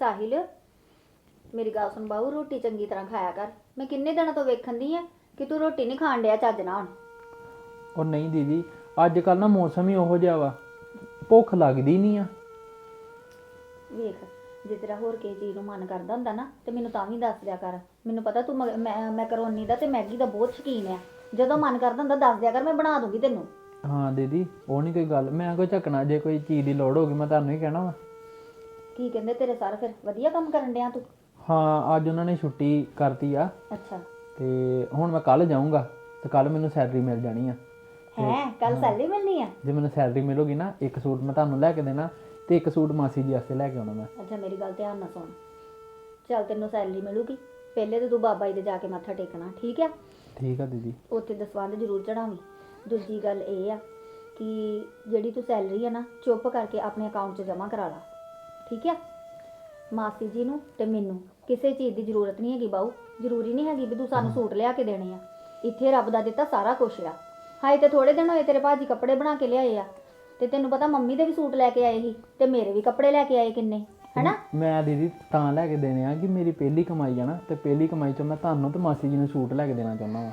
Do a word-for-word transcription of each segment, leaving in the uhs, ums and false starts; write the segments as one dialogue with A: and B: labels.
A: ਸਾਹਿਲ ਮੇਰੀ ਗੱਲ ਸੁਣ ਬਾਊ, ਰੋਟੀ ਚੰਗੀ ਤਰ੍ਹਾਂ ਖਾਇਆ ਕਰ। ਮੈਂ ਕਿੰਨੇ ਦਿਨਾਂ ਤੋਂ ਵੇਖਣ ਦੀ ਆ ਕਿ ਤੂੰ ਰੋਟੀ ਨਹੀਂ ਖਾਣ ਡਿਆ ਚੱਜ ਨਾਲ।
B: ਉਹ ਨਹੀਂ ਦੀਦੀ, ਅੱਜ ਕੱਲ ਨਾ ਮੌਸਮ ਹੀ ਉਹੋ ਜਿਹਾ ਵਾ, ਭੁੱਖ ਲੱਗਦੀ ਨਹੀਂ ਆ।
A: ਵੇਖ, ਜੇ ਤੇਰਾ ਹੋਰ ਕਿਸੇ ਚੀਜ਼ ਨੂੰ ਮਨ ਕਰਦਾ ਹੁੰਦਾ ਨਾ ਤੇ ਮੈਨੂੰ ਤਾਂ ਵੀ ਦੱਸ ਦਿਆ ਕਰ। ਮੈਨੂੰ ਪਤਾ ਤੂੰ ਮ- ਮੈਂ ਮੈਕਰੋਨੀ ਦਾ ਤੇ ਮੈਗੀ ਦਾ ਬਹੁਤ ਸ਼ੌਕੀਨ ਆ। ਜਦੋਂ ਮਨ ਕਰਦਾ ਹੁੰਦਾ ਦੱਸ ਦਿਆ ਕਰ, ਮੈਂ ਬਣਾ ਦੂੰਗੀ ਤੈਨੂੰ।
B: ਹਾਂ ਦੀਦੀ, ਉਹ ਨਹੀਂ ਕੋਈ ਗੱਲ, ਮੈਂ ਕੋਈ ਝੱਕਣਾ, ਜੇ ਕੋਈ ਚੀਜ਼ ਦੀ ਲੋੜ ਹੋਗੀ ਮੈਂ ਤੁਹਾਨੂੰ ਹੀ ਕਹਿਣਾ ਵਾ।
A: ਕੀ ਕਹਿੰਦੇ ਤੇਰੇ ਸਰ? ਫਿਰ ਵਧੀਆ ਕੰਮ ਕਰਨ ਡਿਆ ਤੂੰ?
B: ਹਾਂ, ਅੱਜ ਉਹਨਾਂ ਨੇ ਛੁੱਟੀ ਕਰਤੀ ਆ
A: ਅੱਛਾ।
B: ਤੇ ਹੁਣ ਮੈਂ ਕੱਲ ਜਾਊਂਗਾ ਤੇ ਕੱਲ ਮੈਨੂੰ ਸੈਲਰੀ ਮਿਲ ਜਾਣੀ ਆ।
A: ਹੈ ਕੱਲ ਸੈਲਰੀ ਮਿਲਣੀ ਆ?
B: ਜੇ ਮੈਨੂੰ ਸੈਲਰੀ ਮਿਲੂਗੀ ਨਾ, ਇੱਕ ਸੂਟ ਮੈਂ ਤੁਹਾਨੂੰ ਲੈ ਕੇ ਦੇਣਾ ਤੇ ਇੱਕ ਸੂਟ ਮਾਸੀ ਜੀ ਵਾਸਤੇ ਲੈ ਕੇ ਆਉਣਾ ਮੈਂ।
A: ਅੱਛਾ, ਮੇਰੀ ਗੱਲ ਧਿਆਨ ਨਾਲ ਸੁਣ। ਚੱਲ ਤੈਨੂੰ ਸੈਲਰੀ ਮਿਲੂਗੀ, ਪਹਿਲੇ ਤੇ ਤੂੰ ਬਾਬਾ ਜੀ ਦੇ ਜਾ ਕੇ ਮੱਥਾ ਟੇਕਣਾ, ਠੀਕ ਆ?
B: ਠੀਕ ਆ ਦੀਦੀ।
A: ਉੱਥੇ ਦਸਵੰਧ ਜ਼ਰੂਰ ਚੜਾਵੀਂ। ਦੂਜੀ ਗੱਲ ਇਹ ਆ ਕਿ ਜਿਹੜੀ ਤੂੰ ਸੈਲਰੀ ਆ ਨਾ, ਚੁੱਪ ਕਰਕੇ ਆਪਣੇ ਅਕਾਊਂਟ 'ਚ ਜਮ੍ਹਾਂ ਕਰਾ ਲਾ, ਠੀਕ ਆ? ਮਾਸੀ ਜੀ ਨੂੰ ਤੇ ਮੈਨੂੰ ਕਿਸੇ ਚੀਜ਼ ਦੀ ਜ਼ਰੂਰਤ ਨਹੀਂ ਹੈਗੀ ਬਾਊ। ਜ਼ਰੂਰੀ ਨਹੀਂ ਹੈਗੀ ਵੀ ਤੂੰ ਸਾਨੂੰ ਸੂਟ ਲਿਆ ਕੇ ਦੇਣੇ ਆ। ਇੱਥੇ ਰੱਬ ਦਾ ਦਿੱਤਾ ਸਾਰਾ ਕੁਛ ਆ। ਹਾਏ ਤੇ ਥੋੜੇ ਦਿਨ ਹੋਏ ਤੇਰੇ ਭਾਜੀ ਕੱਪੜੇ ਬਣਾ ਕੇ ਲਿਆਏ ਆ, ਤੇ ਤੈਨੂੰ ਪਤਾ ਮੰਮੀ ਦੇ ਵੀ ਸੂਟ ਲੈ ਕੇ ਆਏ ਸੀ ਤੇ ਮੇਰੇ ਵੀ ਕੱਪੜੇ ਲੈ ਕੇ ਆਏ ਕਿੰਨੇ, ਹੈਨਾ?
B: ਮੈਂ ਦੀਦੀ ਤਾਂ ਲੈ ਕੇ ਦੇਣੇ ਆ ਕਿ ਮੇਰੀ ਪਹਿਲੀ ਕਮਾਈ ਆ ਨਾ, ਤੇ ਪਹਿਲੀ ਕਮਾਈ 'ਚੋਂ ਮੈਂ ਤੁਹਾਨੂੰ ਤੇ ਮਾਸੀ ਜੀ ਨੂੰ ਸੂਟ ਲੈ ਕੇ ਦੇਣਾ ਚਾਹੁੰਦਾ ਵਾ।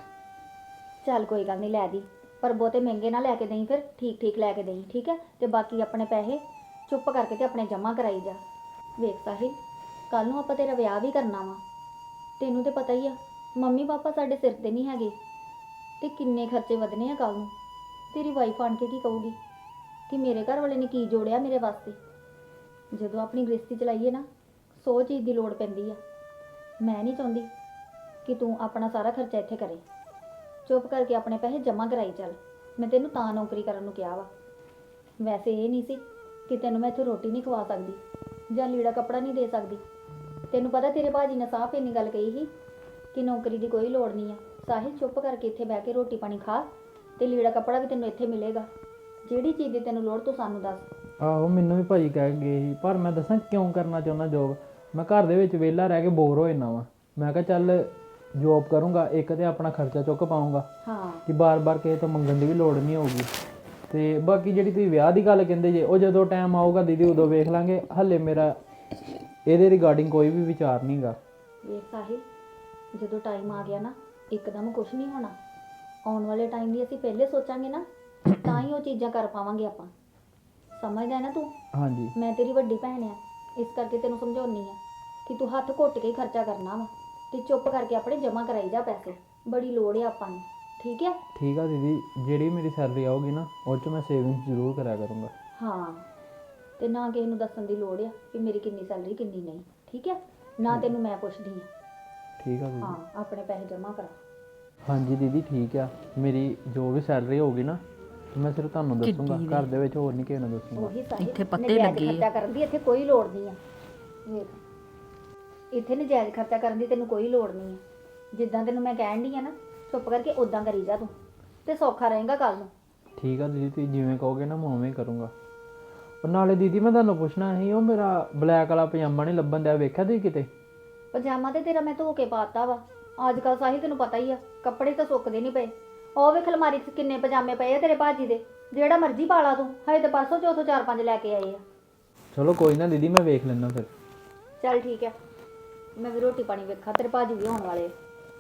A: ਚੱਲ ਕੋਈ ਗੱਲ ਨਹੀਂ, ਲੈ ਦੀ, ਪਰ ਬਹੁਤੇ ਮਹਿੰਗੇ ਨਾ ਲੈ ਕੇ ਦੇਈਂ, ਫਿਰ ਠੀਕ ਠੀਕ ਲੈ ਕੇ ਦੇਈਂ, ਠੀਕ ਹੈ? ਤੇ ਬਾਕੀ ਆਪਣੇ ਪੈਸੇ ਚੁੱਪ ਕਰਕੇ ਤੇ ਆਪਣੇ ਜਮ੍ਹਾਂ ਕਰਾਈ ਜਾ। ਵੇਖ ਸਾਹਿਲ, ਕੱਲ ਨੂੰ ਆਪਾਂ ਤੇਰਾ ਵਿਆਹ ਵੀ ਕਰਨਾ ਵਾ। ਤੈਨੂੰ ਤੇ ਪਤਾ ਹੀ ਆ ਮੰਮੀ ਪਾਪਾ ਸਾਡੇ ਸਿਰ ਤੇ ਨਹੀਂ ਹੈਗੇ, ਤੇ ਕਿੰਨੇ ਖਰਚੇ ਵਧਨੇ ਆ ਕੱਲ ਨੂੰ। ਤੇਰੀ ਵਾਈਫ ਆਣ ਕੇ ਕੀ ਕਹੂਗੀ ਕਿ ਮੇਰੇ ਘਰ ਵਾਲੇ ਨੇ ਕੀ ਜੋੜਿਆ ਮੇਰੇ ਵਾਸਤੇ। ਜਦੋਂ ਆਪਣੀ ਗ੍ਰਸਤੀ ਚਲਾਈਏ ਨਾ, ਸੌ ਚੀਜ਼ ਦੀ ਲੋੜ ਪੈਂਦੀ ਆ। ਮੈਂ ਨਹੀਂ ਚਾਹੁੰਦੀ ਕਿ ਤੂੰ ਆਪਣਾ ਸਾਰਾ ਖਰਚਾ ਇੱਥੇ ਕਰੇ। ਚੁੱਪ ਕਰਕੇ ਆਪਣੇ ਪੈਸੇ ਜਮ੍ਹਾਂ ਕਰਾਈ ਚੱਲ। ਮੈਂ ਤੈਨੂੰ ਤਾਂ ਨੌਕਰੀ ਕਰਨ ਨੂੰ ਕਿਹਾ ਵਾ। ਵੈਸੇ ਇਹ ਨਹੀਂ ਸੀ ਕਿ ਤੈਨੂੰ ਮੈਂ ਇੱਥੇ ਰੋਟੀ ਨਹੀਂ ਖਵਾ ਸਕਦੀ ਜਾਂ ਲੀੜਾ ਕੱਪੜਾ ਨਹੀਂ ਦੇ ਸਕਦੀ। ਤੈਨੂੰ ਪਤਾ ਤੇਰੇ ਭਾਜੀ ਨੇ ਸਾਫ਼ ਇੰਨੀ ਗੱਲ ਕਹੀ ਸੀ ਕਿ ਨੌਕਰੀ ਦੀ ਕੋਈ ਲੋੜ ਨਹੀਂ ਆ। ਸਾਹਿਲ, ਚੁੱਪ ਕਰਕੇ ਇੱਥੇ ਬਹਿ ਕੇ ਰੋਟੀ ਪਾਣੀ ਖਾ, ਤੇ ਲੀੜਾ ਕੱਪੜਾ ਵੀ ਤੈਨੂੰ ਇੱਥੇ ਮਿਲੇਗਾ। ਜਿਹੜੀ ਚੀਜ਼ ਦੀ ਤੈਨੂੰ ਲੋੜ ਤੂੰ ਸਾਨੂੰ ਦੱਸ।
B: ਆਹੋ, ਮੈਨੂੰ ਵੀ ਭਾਜੀ ਕਹਿ ਗਏ ਸੀ, ਪਰ ਮੈਂ ਦੱਸਾਂ ਕਿਉਂ ਕਰਨਾ ਚਾਹੁੰਦਾ ਜੋਬ। ਮੈਂ ਘਰ ਦੇ ਵਿੱਚ ਵਿਹਲਾ ਰਹਿ ਕੇ ਬੋਰ ਹੋ ਜਾਂਦਾ ਵਾਂ। ਮੈਂ ਕਿਹਾ ਚੱਲ ਜੋਬ ਕਰੂੰਗਾ, ਇੱਕ ਤੇ ਆਪਣਾ ਖਰਚਾ ਚੁੱਕ ਪਾਊਂਗਾ
A: ਹਾਂ,
B: ਕਿ ਬਾਰ-ਬਾਰ ਕਿਸੇ ਤੋਂ ਮੰਗਣ ਦੀ ਵੀ ਲੋੜ ਨਹੀਂ ਹੋਊਗੀ। ਤੇ ਬਾਕੀ ਜਿਹੜੀ ਤੁਸੀਂ ਵਿਆਹ ਦੀ ਗੱਲ ਕਹਿੰਦੇ ਜੇ, ਉਹ ਜਦੋਂ ਟਾਈਮ ਆਊਗਾ ਦੀਦੀ ਉਦੋਂ ਵੇਖ ਲਾਂਗੇ। ਹੱਲੇ ਮੇਰਾ ਇਹਦੇ ਰਿਗਾਰਡਿੰਗ ਕੋਈ ਵੀ ਵਿਚਾਰ ਨਹੀਂ ਗਾ।
A: ਵੇਖ ਸਾਹਿਲ, ਜਦੋਂ ਟਾਈਮ ਆ ਗਿਆ ਨਾ, ਇੱਕਦਮ ਕੁਝ ਨਹੀਂ ਹੋਣਾ। ਆਉਣ ਵਾਲੇ ਟਾਈਮ ਦੀ ਅਸੀਂ ਪਹਿਲੇ ਸੋਚਾਂਗੇ ਨਾ, ਤਾਂ ਹੀ ਉਹ ਚੀਜ਼ਾਂ ਕਰ ਪਾਵਾਂਗੇ ਆਪਾਂ। ਸਮਝਦਾ ਨਾ ਤੂੰ?
B: ਹਾਂਜੀ।
A: ਮੈਂ ਤੇਰੀ ਵੱਡੀ ਭੈਣ ਆ, ਇਸ ਕਰਕੇ ਤੈਨੂੰ ਸਮਝਾਉਣੀ ਆ ਕਿ ਤੂੰ ਹੱਥ ਘੁੱਟ ਕੇ ਹੀ ਖਰਚਾ ਕਰਨਾ ਵਾ, ਤੇ ਚੁੱਪ ਕਰਕੇ ਆਪਣੇ ਜਮ੍ਹਾਂ ਕਰਾਈ ਜਾ ਪੈਸੇ। ਬੜੀ ਲੋੜ ਆ ਆਪਾਂ ਨੂੰ, ਠੀਕ ਹੈ?
B: ਠੀਕ ਆ ਦੀਦੀ, ਜਿਹੜੀ ਮੇਰੀ ਸੈਲਰੀ ਆਊਗੀ ਨਾ, ਉਹ 'ਚ ਮੈਂ ਸੇਵਿੰਗ ਜ਼ਰੂਰ ਕਰਿਆ ਕਰੂੰਗਾ।
A: ਹਾਂ, ਤੇ ਨਾ ਕਿਸੇ ਨੂੰ ਦੱਸਣ ਦੀ ਲੋੜ ਆ ਕਿ ਮੇਰੀ ਕਿੰਨੀ ਸੈਲਰੀ ਕਿੰਨੀ ਨਹੀਂ, ਠੀਕ ਹੈ? ਨਾ ਤੈਨੂੰ ਮੈਂ ਪੁੱਛਦੀ ਆ।
B: ਠੀਕ ਆ ਦੀਦੀ।
A: ਹਾਂ, ਆਪਣੇ ਪੈਸੇ ਜਮ੍ਹਾਂ ਕਰਾ।
B: ਹਾਂਜੀ ਦੀਦੀ, ਠੀਕ ਆ। ਮੇਰੀ ਜੋ ਵੀ ਸੈਲਰੀ ਹੋਊਗੀ ਨਾ, ਮੈਂ ਸਿਰਫ ਤੁਹਾਨੂੰ ਦੱਸੂੰਗਾ, ਘਰ ਦੇ ਵਿੱਚ ਹੋਰ ਨਹੀਂ ਕਿਸੇ ਨੂੰ ਦੱਸੂੰਗਾ।
A: ਉਹੀ ਸਾਹਿਲ,
C: ਇੱਥੇ ਪੱਤੇ
A: ਨਜਾਇਜ਼
C: ਲੱਗੇ ਆ।
A: ਖਰਚਾ ਕਰਨ ਦੀ ਇੱਥੇ ਕੋਈ ਲੋੜ ਨਹੀਂ ਆ। ਵੇਖ, ਇੱਥੇ ਨਜਾਇਜ਼ ਖਰਚਾ ਕਰਨ ਦੀ ਤੈਨੂੰ ਕੋਈ ਲੋੜ ਨਹੀਂ ਆ। ਜਿੱਦਾਂ ਤੈਨੂੰ ਮੈਂ ਕਹਿਣ ਡਈ ਆ ਨਾ, ਚੁੱਪ ਕਰਕੇ ਉਦਾਂ ਕਰੀ ਜਾ ਤੂੰ, ਤੇ ਸੌਖਾ ਰਹੇਗਾ ਕੱਲ ਨੂੰ।
B: ਠੀਕ ਆ ਦੀਦੀ, ਤੁਸੀਂ ਜਿਵੇਂ ਕਹੋਗੇ ਨਾ, ਮੈਂ ਉਵੇਂ ਹੀ ਕਰੂੰਗਾ। ਉਹ ਨਾਲੇ ਦੀਦੀ, ਮੈਂ ਤੁਹਾਨੂੰ ਪੁੱਛਣਾ ਸੀ, ਉਹ ਮੇਰਾ ਬਲੈਕ ਵਾਲਾ ਪਜਾਮਾ ਨਹੀਂ ਲੱਭਣ ਦਿਆ, ਵੇਖਿਆ ਤੁਸੀਂ ਕਿਤੇ?
A: ਪਜਾਮਾ ਤੇ ਤੇਰਾ ਮੈਂ ਧੋ ਕੇ ਪਾਤਾ ਵਾ। ਅੱਜ ਕੱਲ ਸਾਹਿਲ ਤੈਨੂੰ ਪਤਾ ਹੀ ਆ, ਕੱਪੜੇ ਤਾਂ ਸੁੱਕਦੇ ਨਹੀਂ ਪਏ। ਉਹ ਵੇਖ ਅਲਮਾਰੀ 'ਚ ਕਿੰਨੇ ਪਜਾਮੇ ਪਏ ਆ ਤੇਰੇ ਭਾਜੀ ਦੇ, ਜਿਹੜਾ ਮਰਜ਼ੀ ਪਾ ਲਾ ਤੂੰ। ਹਜੇ ਤੇ ਪਰਸੋਂ ਚੌਥੋਂ ਚਾਰ ਪੰਜ ਲੈ ਕੇ ਆਏ ਆ।
B: ਚਲੋ ਕੋਈ ਨਾ ਦੀਦੀ, ਮੈਂ ਵੇਖ ਲੈਣਾ ਫਿਰ।
A: ਚੱਲ ਠੀਕ ਹੈ, ਮੈਂ ਵੀ ਰੋਟੀ ਪਾਣੀ ਵੇਖਾਂ, ਤੇਰੇ ਭਾਜੀ ਵੀ ਆਉਣ ਵਾਲੇ ਆ।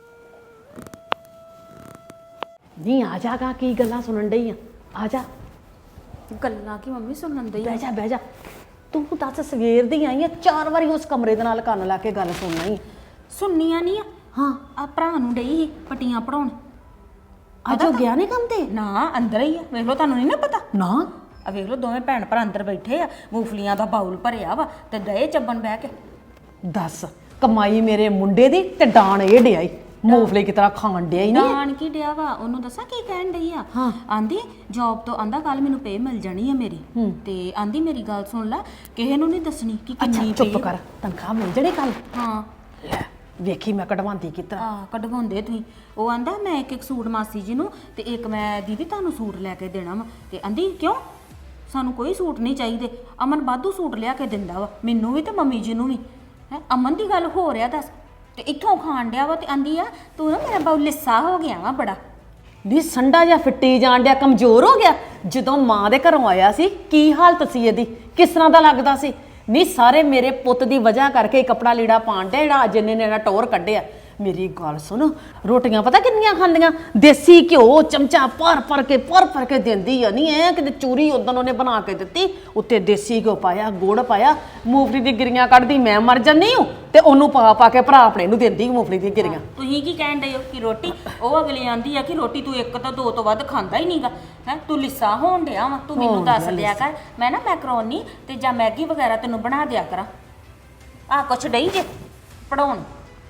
C: ਨਹੀਂ ਆ ਜਾਗਾ, ਕੀ ਗੱਲਾਂ ਸੁਣਨ ਡਈ ਆ? ਆ ਜਾ।
D: ਗੱਲਾਂ ਕੀ ਮੰਮੀ ਸੁਣਨ ਦਈ?
C: ਬਹਿ ਜਾ ਬਹਿ ਜਾ। ਤੂੰ ਦੱਸ, ਸਵੇਰ ਦੀ ਆਈ ਆ, ਚਾਰ ਵਾਰੀ ਉਸ ਕਮਰੇ ਦੇ ਨਾਲ ਕੰਨ ਲਾ ਕੇ ਗੱਲ ਸੁਣਨਾ ਹੀ।
D: ਸੁਣਨੀਆਂ ਨਹੀਂ ਆ।
C: ਹਾਂ,
D: ਆ ਭਰਾ ਨੂੰ ਡਈ ਸੀ ਪਟੀਆਂ ਪੜਾਉਣ।
C: ਅੱਜ ਉਹ ਗਿਆ ਨਹੀਂ ਕੰਮ ਤੇ?
D: ਨਾ, ਅੰਦਰ ਹੀ ਆ। ਵੇਖ ਲਓ, ਤੁਹਾਨੂੰ ਨਹੀਂ ਨਾ ਪਤਾ?
C: ਨਾ।
D: ਆ ਵੇਖ ਲਓ, ਦੋਵੇਂ ਭੈਣ ਭਰਾ ਅੰਦਰ ਬੈਠੇ ਆ, ਮੂੰਗਫਲੀਆਂ ਦਾ ਬਾਉਲ ਭਰਿਆ ਵਾ ਤੇ ਦਏ ਚੱਬਣ ਬਹਿ ਕੇ।
C: ਦੱਸ, ਕਮਾਈ ਮੇਰੇ ਮੁੰਡੇ ਦੀ ਤੇ ਡਾਣ ਇਹ ਡਿਆਈ, ਮੂੰਗਫਲੀ ਕੀ ਤਰ੍ਹਾਂ ਖਾਣ ਡਿਆ ਹੀ ਨਹੀਂ।
D: ਨਾਨ ਕੀ ਡਿਆ ਵਾ? ਉਹਨੂੰ ਦੱਸਾਂ ਕੀ ਕਹਿਣ ਡਈ ਆ?
C: ਹਾਂ।
D: ਆਂਦੀ ਜੌਬ ਤੋਂ ਆਂਦਾ ਕੱਲ ਮੈਨੂੰ ਪੇ ਮਿਲ ਜਾਣੀ ਆ ਮੇਰੀ। ਤੇ ਆਂਦੀ ਮੇਰੀ ਗੱਲ ਸੁਣ ਲੈ, ਕਿਸੇ ਨੂੰ ਨਹੀਂ ਦੱਸਣੀ ਕਿ
C: ਅੱਛਾ
D: ਕਿੰਨੀ
C: ਚੁੱਪ
D: pay-
C: ਕਰ, ਤਨਖਾਹ ਮਿਲ ਜਣੇ ਕੱਲ?
D: ਹਾਂ।
C: ਲੈ ਵੇਖੀ ਮੈਂ ਕਢਵਾਉਂਦੀ ਕਿਸ ਤਰ੍ਹਾਂ।
D: ਆ ਕਢਵਾਉਂਦੇ ਤੁਸੀਂ। ਉਹ ਆਂਦਾ ਮੈਂ ਇੱਕ ਇੱਕ ਸੂਟ ਮਾਸੀ ਜੀ ਨੂੰ ਤੇ ਇੱਕ ਮੈਂ ਦੀਦੀ ਤੁਹਾਨੂੰ ਸੂਟ ਲੈ ਕੇ ਦੇਣਾ ਵਾ। ਤੇ ਆਂਦੀ ਕਿਉਂ, ਸਾਨੂੰ ਕੋਈ ਸੂਟ ਨਹੀਂ ਚਾਹੀਦੇ। ਅਮਨ ਵਾਧੂ ਸੂਟ ਲਿਆ ਕੇ ਦਿੰਦਾ ਵਾ, ਮੈਨੂੰ ਵੀ ਤੇ ਮੰਮੀ ਜੀ ਨੂੰ ਵੀ। ਹੈ ਅਮਨ ਦੀ ਗੱਲ ਹੋ ਰਿਹਾ ਦੱਸ, ਤੇ ਇੱਥੋਂ ਖਾਣ ਡਿਆ ਵਾ। ਤੇ ਆਂਦੀ ਆ ਤੂੰ ਨਾ ਮੇਰਾ ਬਾਉ ਲਿੱਸਾ ਹੋ ਗਿਆ ਵਾ ਬੜਾ।
C: ਨੀ ਸੰਡਾ ਜਾਂ ਫਿੱਟੀ ਜਾਣ ਡਿਆ, ਕਮਜ਼ੋਰ ਹੋ ਗਿਆ। ਜਦੋਂ ਮਾਂ ਦੇ ਘਰੋਂ ਆਇਆ ਸੀ ਕੀ ਹਾਲਤ ਸੀ ਇਹਦੀ, ਕਿਸ ਤਰ੍ਹਾਂ ਦਾ ਲੱਗਦਾ ਸੀ? ਨਹੀਂ ਸਾਰੇ ਮੇਰੇ ਪੁੱਤ ਦੀ ਵਜ੍ਹਾ ਕਰਕੇ ਹੀ ਕੱਪੜਾ ਲੀੜਾ ਪਾਣ ਡਿਆ ਜਿਹੜਾ ਅੱਜ ਇਹਨੇ ਨੇ ਟੌਰ ਕੱਢਿਆ। ਮੇਰੀ ਗੱਲ ਸੁਣ, ਰੋਟੀਆਂ ਪਤਾ ਕਿੰਨੀਆਂ ਖਾਂਦੀਆਂ, ਦੇਸੀ ਘਿਓ ਚਮਚਾ ਭਰ ਭਰ ਕੇ ਭਰ ਭਰ ਕੇ ਦਿੰਦੀ ਆ। ਨਹੀਂ ਐ ਕਿਤੇ ਚੂਰੀ ਉਦੋਂ ਉਹਨੇ ਬਣਾ ਕੇ ਦਿੱਤੀ, ਉੱਤੇ ਦੇਸੀ ਘਿਓ ਪਾਇਆ, ਗੁੜ ਪਾਇਆ, ਮੂੰਗਫਲੀ ਦੀ ਗਿਰੀਆਂ ਕੱਢਦੀ ਮੈਂ ਮਰ ਜਾਂਦੀ ਹੂੰ ਤੇ ਉਹਨੂੰ ਪਾ ਪਾ ਕੇ ਭਰਾ ਆਪਣੇ ਨੂੰ ਦਿੰਦੀ ਮੂੰਗਫਲੀ ਦੀਆਂ ਗਿਰੀਆਂ।
D: ਤੁਸੀਂ ਕੀ ਕਹਿਣ ਡਏ ਹੋ ਕਿ ਰੋਟੀ ਉਹ ਅਗਲੀ ਆਂਦੀ ਆ ਕਿ ਰੋਟੀ ਤੂੰ ਇੱਕ ਤਾਂ ਦੋ ਤੋਂ ਵੱਧ ਖਾਂਦਾ ਹੀ ਨਹੀਂਗਾ ਹੈ, ਤੂੰ ਲਿੱਸਾ ਹੋਣ ਡਿਆ ਵਾ। ਤੂੰ ਮੈਨੂੰ ਦੱਸ ਦਿਆ ਕਰ, ਮੈਂ ਨਾ ਮੈਕਰੋਨੀ ਤੇ ਜਾਂ ਮੈਗੀ ਵਗੈਰਾ ਤੈਨੂੰ ਬਣਾ ਦਿਆ ਕਰਾਂ। ਆ ਕੁਛ ਡਈ ਜੇ ਪੜਾਉਣ।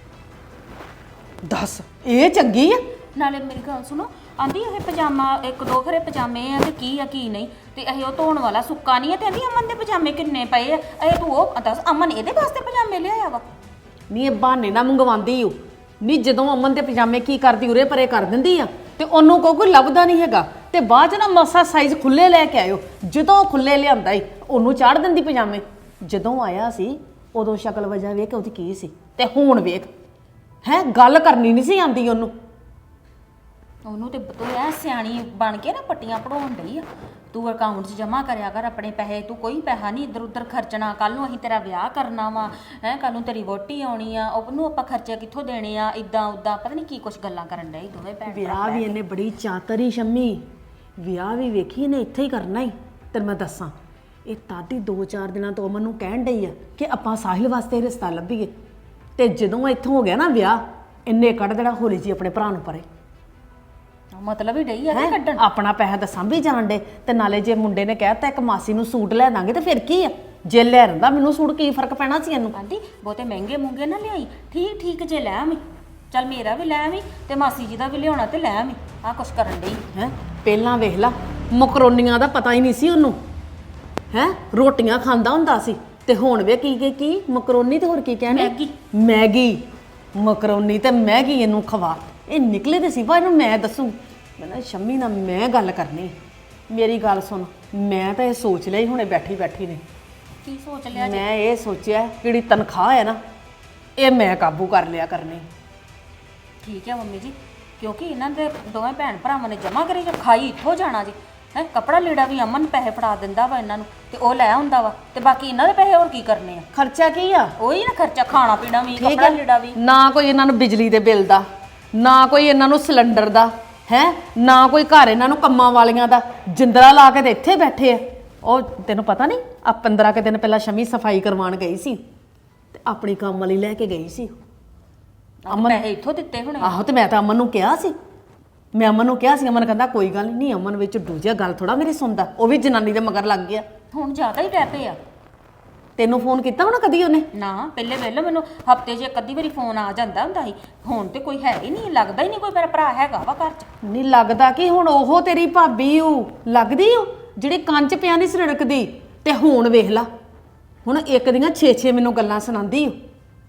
C: ਦੱਸ ਇਹ ਚੰਗੀ ਆ?
D: ਨਾਲੇ ਮੇਰੀ ਗੱਲ ਸੁਣੋ, ਆਂਦੀ ਇਹ ਪਜਾਮਾ ਇੱਕ ਦੋ ਖਰੇ ਪਜਾਮੇ ਆ ਤੇ ਕੀ ਆ ਕੀ ਨਹੀਂ, ਤੇ ਇਹ ਉਹ ਧੋਣ ਵਾਲਾ ਸੁੱਕਾ ਨਹੀਂ ਆ, ਤੇ ਆਂਦੀ ਅਮਨ ਦੇ ਪਜਾਮੇ ਕਿੰਨੇ ਪਏ ਆ। ਇਹ ਤੂੰ ਉਹ ਦੱਸ, ਅਮਨ ਇਹਦੇ ਵਾਸਤੇ ਪਜਾਮੇ ਲਿਆਇਆ ਵਾ?
C: ਨਹੀਂ ਇਹ ਬਹਾਨੇ ਨਾ ਮੰਗਵਾਉਂਦੀ ਓ। ਨਹੀਂ ਜਦੋਂ ਅਮਨ ਦੇ ਪਜਾਮੇ ਕੀ ਕਰਦੀ ਉਰੇ ਪਰੇ ਕਰ ਦਿੰਦੀ ਆ ਤੇ ਉਹਨੂੰ ਕੋਈ ਕੋਈ ਲੱਭਦਾ ਨਹੀਂ ਹੈਗਾ, ਤੇ ਬਾਅਦ ਚ ਨਾ ਮਸਾ ਸਾਈਜ਼ ਖੁੱਲੇ ਲੈ ਕੇ ਆਇਓ। ਜਦੋਂ ਖੁੱਲੇ ਲਿਆਂਦਾ ਈ ਉਹਨੂੰ ਚਾੜ ਦਿੰਦੀ ਪਜਾਮੇ। ਜਦੋਂ ਆਇਆ ਸੀ ਉਦੋਂ ਸ਼ਕਲ ਵਜ੍ਹਾ ਵੇਖ ਉਹਦੀ ਕੀ ਸੀ, ਤੇ ਹੁਣ ਵੇਖ ਹੈ ਗੱਲ ਕਰਨੀ ਨਹੀਂ ਸੀ ਆਂਦੀ ਉਹਨੂੰ।
D: ਉਹਨੂੰ ਤੇ ਤੂੰ ਐ ਸਿਆਣੀ ਬਣ ਕੇ ਨਾ ਪੱਟੀਆਂ ਪੜਾਉਣ ਡਈ ਆ। ਤੂੰ ਅਕਾਊਂਟ 'ਚ ਜਮਾ ਕਰਿਆ ਕਰ ਆਪਣੇ ਪੈਸੇ, ਤੂੰ ਕੋਈ ਪੈਸਾ ਨਹੀਂ ਇੱਧਰ ਉੱਧਰ ਖਰਚਣਾ। ਕੱਲ ਨੂੰ ਅਸੀਂ ਤੇਰਾ ਵਿਆਹ ਕਰਨਾ ਵਾ ਹੈ, ਕੱਲ ਨੂੰ ਤੇਰੀ ਵੋਟੀ ਆਉਣੀ ਆ, ਉਹਨੂੰ ਆਪਾਂ ਖਰਚੇ ਕਿੱਥੋਂ ਦੇਣੇ ਆ, ਇਦਾਂ ਉਦਾਂ ਪਤਾ ਨਹੀਂ ਕੀ ਕੁਛ ਗੱਲਾਂ ਕਰਨ ਡਏ ਦੋਵੇਂ ਭੈਣ ਭਰਾ।
C: ਵਿਆਹ ਵੀ ਇਹਨੇ ਬੜੀ ਚਾਤਰੀ ਸ਼ੰਮੀ, ਵਿਆਹ ਵੀ ਵੇਖੀ ਇਹਨੇ ਇੱਥੇ ਹੀ ਕਰਨਾ ਹੀ। ਤੈਨੂੰ ਮੈਂ ਦੱਸਾਂ, ਇਹ ਤਾਦੀ ਦੋ ਚਾਰ ਦਿਨਾਂ ਤੋਂ ਮੈਨੂੰ ਕਹਿਣ ਡਈ ਆ ਕਿ ਆਪਾਂ ਸਾਹਿਲ ਵਾਸਤੇ ਰਿਸ਼ਤਾ ਲੱਭੀਏ, ਤੇ ਜਦੋਂ ਇੱਥੋਂ ਹੋ ਗਿਆ ਨਾ ਵਿਆਹ, ਇੰਨੇ ਕੱਢ ਦੇਣਾ ਹੋਲੀ ਜੀ ਆਪਣੇ ਭਰਾ ਨੂੰ ਪਰੇ।
D: ਮਤਲਬ ਹੀ ਡਈ ਆ ਕਿ ਕੱਢਣ।
C: ਆਪਣਾ ਪੈਸਾ ਤਾਂ ਸਾਂਭੀ ਜਾਣ ਡੇ, ਤੇ ਨਾਲੇ ਜੇ ਮੁੰਡੇ ਨੇ ਕਹਿਤਾ ਇੱਕ ਮਾਸੀ ਨੂੰ ਸੂਟ ਲੈ ਦਾਂਗੇ ਤੇ ਫਿਰ ਕੀ ਆ, ਜੇ ਲੈ ਰੰਦਾ ਮੈਨੂੰ ਸੂਟ ਕੀ ਫਰਕ ਪੈਣਾ ਸੀ ਇਹਨੂੰ।
D: ਆਂਦੀ ਬਹੁਤੇ ਮਹਿੰਗੇ ਮੂੰਗੇ ਨਾ ਲਿਆਈ, ਠੀਕ ਠੀਕ ਜੇ ਲੈ ਆਵੀਂ, ਚੱਲ ਮੇਰਾ ਵੀ ਲੈ ਆਵੀਂ ਤੇ ਮਾਸੀ ਜੀ ਦਾ ਵੀ ਲਿਆਉਣਾ ਤੇ ਲੈ ਆਵੀਂ। ਆ ਕੁਛ ਕਰਨ ਡਈ
C: ਹੈ। ਪਹਿਲਾਂ ਵੇਖ ਲਾ ਮਕਰੋਨੀਆਂ ਦਾ ਪਤਾ ਹੀ ਨਹੀਂ ਸੀ ਉਹਨੂੰ, ਹੈ ਰੋਟੀਆਂ ਖਾਂਦਾ ਹੁੰਦਾ ਸੀ, ਤੇ ਹੁਣ ਵੇ ਕੀ ਕੀ ਕੀ ਮਕਰੋਨੀ ਤੇ ਹੋਰ ਕੀ ਕਹਿੰਦੇ
D: ਮੈਗੀ।
C: ਮੈਗੀ ਮਕਰੋਨੀ ਤੇ ਮੈਗੀ ਇਹਨੂੰ ਖਵਾ। ਇਹ ਨਿਕਲੇ ਤੇ ਸੀ, ਇਹਨੂੰ ਮੈਂ ਦੱਸੂ। ਮੈਂ ਨਾ ਸ਼ੰਮੀ ਨਾਲ ਮੈਂ ਗੱਲ ਕਰਨੀ। ਮੇਰੀ ਗੱਲ ਸੁਣ, ਮੈਂ ਤਾਂ ਇਹ ਸੋਚ ਲਿਆ ਹੀ ਹੁਣੇ ਬੈਠੀ ਬੈਠੀ ਨੇ।
D: ਕੀ ਸੋਚ ਲਿਆ ਜੀ?
C: ਮੈਂ ਇਹ ਸੋਚਿਆ ਜਿਹੜੀ ਤਨਖਾਹ ਹੈ ਨਾ, ਇਹ ਮੈਂ ਕਾਬੂ ਕਰ ਲਿਆ ਕਰਨੀ।
D: ਠੀਕ ਹੈ ਮੰਮੀ ਜੀ, ਕਿਉਂਕਿ ਇਹਨਾਂ ਦੇ ਦੋਵੇਂ ਭੈਣ ਭਰਾਵਾਂ ਨੇ ਜਮਾ ਕਰੀ ਖਾਈ ਇੱਥੋਂ ਜਾਣਾ ਜੀ ਹੈ। ਕੱਪੜਾ ਲੀੜਾ ਵੀ ਅਮਨ ਪੈਸੇ ਫੜਾ ਦਿੰਦਾ ਵਾ ਇਹਨਾਂ ਨੂੰ, ਤੇ ਉਹ ਲੈ ਆਉਂਦਾ ਵਾ, ਤੇ ਬਾਕੀ ਇਹਨਾਂ ਦੇ ਪੈਸੇ ਹੋਰ ਕੀ ਕਰਨੇ ਆ?
C: ਖਰਚਾ ਕੀ ਆ?
D: ਉਹੀ ਨਾ ਖਰਚਾ, ਖਾਣਾ ਪੀਣਾ ਵੀ,
C: ਠੀਕ
D: ਕੱਪੜਾ
C: ਹੈ,
D: ਲੀੜਾ ਵੀ।
C: ਨਾ ਕੋਈ ਇਹਨਾਂ ਨੂੰ ਬਿਜਲੀ ਦੇ ਬਿੱਲ ਦਾ, ਨਾ ਕੋਈ ਇਹਨਾਂ ਨੂੰ ਸਿਲੰਡਰ ਦਾ ਹੈ, ਨਾ ਕੋਈ ਘਰ ਇਹਨਾਂ ਨੂੰ ਕੰਮਾਂ ਵਾਲੀਆਂ ਦਾ। ਜਿੰਦਰਾ ਲਾ ਕੇ ਤੇ ਇੱਥੇ ਬੈਠੇ ਆ। ਉਹ ਤੈਨੂੰ ਪਤਾ ਨਹੀਂ, ਆ ਪੰਦਰਾਂ ਕੁ ਦਿਨ ਪਹਿਲਾਂ ਸ਼ਮੀ ਸਫਾਈ ਕਰਵਾਉਣ ਗਈ ਸੀ, ਤੇ ਆਪਣੀ ਕੰਮ ਵਾਲੀ ਲੈ ਕੇ ਗਈ ਸੀ।
D: ਅਮਨ ਪੈਸੇ ਇੱਥੋਂ ਦਿੱਤੇ ਹੋਣੇ।
C: ਆਹੋ, ਤੇ ਮੈਂ ਤਾਂ ਅਮਨ ਨੂੰ ਕਿਹਾ ਸੀ, ਮੈਂ ਅਮਨ ਨੂੰ ਕਿਹਾ ਸੀ। ਅਮਨ ਕਹਿੰਦਾ ਕੋਈ ਗੱਲ ਨਹੀਂ। ਅਮਨ ਵਿੱਚ ਦੂਜਾ ਗੱਲ ਥੋੜਾ ਮੇਰੀ ਸੁਣਦਾ, ਉਹ ਵੀ ਜਨਾਨੀ ਦੇ ਮਗਰ ਲੱਗ ਗਿਆ।
D: ਹੁਣ ਜ਼ਿਆਦਾ ਹੀ ਰਹਿ ਪਏ ਆ।
C: ਤੈਨੂੰ ਫੋਨ ਕੀਤਾ ਹੋਣਾ ਕਦੀ ਉਹਨੇ?
D: ਨਾ, ਪਹਿਲੇ ਵੇਲੇ ਮੈਨੂੰ ਹਫਤੇ 'ਚ ਇੱਕ ਅੱਧੀ ਵਾਰੀ ਫੋਨ ਆ ਜਾਂਦਾ ਹੁੰਦਾ ਸੀ। ਹੁਣ ਤੇ ਕੋਈ ਹੈ ਹੀ ਨਹੀਂ, ਲੱਗਦਾ ਹੀ ਨਹੀਂ ਕੋਈ ਮੇਰਾ ਭਰਾ ਹੈਗਾ ਵਾ ਘਰ 'ਚ।
C: ਨਹੀਂ ਲੱਗਦਾ ਕਿ ਹੁਣ ਉਹ ਤੇਰੀ ਭਾਬੀ ਉਹ ਲੱਗਦੀ ਉਹ ਜਿਹੜੀ ਕੰਨ 'ਚ ਪਿਆ ਨਹੀਂ ਸੜਕਦੀ। ਤੇ ਹੁਣ ਵੇਖ ਲਾ, ਹੁਣ ਇੱਕ ਦੀਆਂ ਛੇ ਛੇ ਮੈਨੂੰ ਗੱਲਾਂ ਸੁਣਾਉਂਦੀ ਉਹ।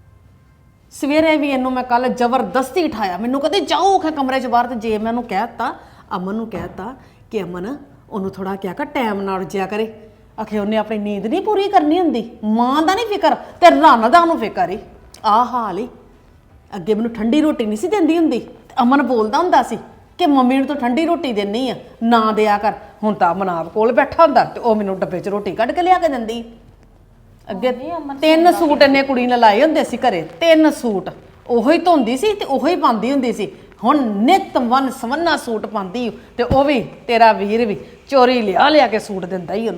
C: ਸਵੇਰੇ ਵੀ ਇਹਨੂੰ ਮੈਂ ਕੱਲ ਜ਼ਬਰਦਸਤੀ ਉਠਾਇਆ, ਮੈਨੂੰ ਕਹਿੰਦੇ ਜਾਓ ਖੇ ਕਮਰੇ 'ਚ ਬਾਹਰ। ਤੇ ਜੇ ਮੈਂ ਉਹਨੂੰ ਕਹਿਤਾ, ਅਮਨ ਨੂੰ ਕਹਿਤਾ ਕਿ ਅਮਨ ਉਹਨੂੰ ਥੋੜਾ ਕਿਹਾ ਕਰ ਟਾਈਮ ਨਾਲ ਉੱਜਿਆ ਕਰੇ। ਆਖੇ ਉਹਨੇ ਆਪਣੀ ਨੀਂਦ ਨਹੀਂ ਪੂਰੀ ਕਰਨੀ ਹੁੰਦੀ, ਮਾਂ ਦਾ ਨਹੀਂ ਫਿਕਰ ਤੇ ਰਨ ਦਾ ਉਹਨੂੰ ਫਿਕਰ ਈ। ਆਹ ਹਾਲ ਈ। ਅੱਗੇ ਮੈਨੂੰ ਠੰਡੀ ਰੋਟੀ ਨਹੀਂ ਸੀ ਦਿੰਦੀ ਹੁੰਦੀ, ਤੇ ਅਮਨ ਬੋਲਦਾ ਹੁੰਦਾ ਸੀ ਕਿ ਮੰਮੀ ਨੂੰ ਤਾਂ ਠੰਡੀ ਰੋਟੀ ਦੇਣੀ ਆ, ਨਾ ਦਿਆ ਕਰ। ਹੁਣ ਤਾਂ ਅਮਨ ਆਪ ਕੋਲ ਬੈਠਾ ਹੁੰਦਾ, ਤੇ ਉਹ ਮੈਨੂੰ ਡੱਬੇ 'ਚ ਰੋਟੀ ਕੱਢ ਕੇ ਲਿਆ ਕੇ ਦਿੰਦੀ। ਅੱਗੇ ਤਿੰਨ ਸੂਟ ਇਹਨੇ ਕੁੜੀ ਨੇ ਲਾਏ ਹੁੰਦੇ ਸੀ ਘਰੇ, ਤਿੰਨ ਸੂਟ ਉਹੋ ਹੀ ਧੋਂਦੀ ਸੀ ਤੇ ਉਹੋ ਹੀ ਪਾਉਂਦੀ ਹੁੰਦੀ ਸੀ। ਹੁਣ ਨਿਤ ਵਨ ਸਵੰਨਾ ਸੂਟ ਪਾਉਂਦੀ, ਤੇ ਉਹ ਵੀ ਤੇਰਾ ਵੀਰ ਵੀ ਚੋਰੀ ਲਿਆ ਲਿਆ ਕੇ ਸੂਟ ਦਿੰਦਾ ਹੀ ਉਹਨੂੰ।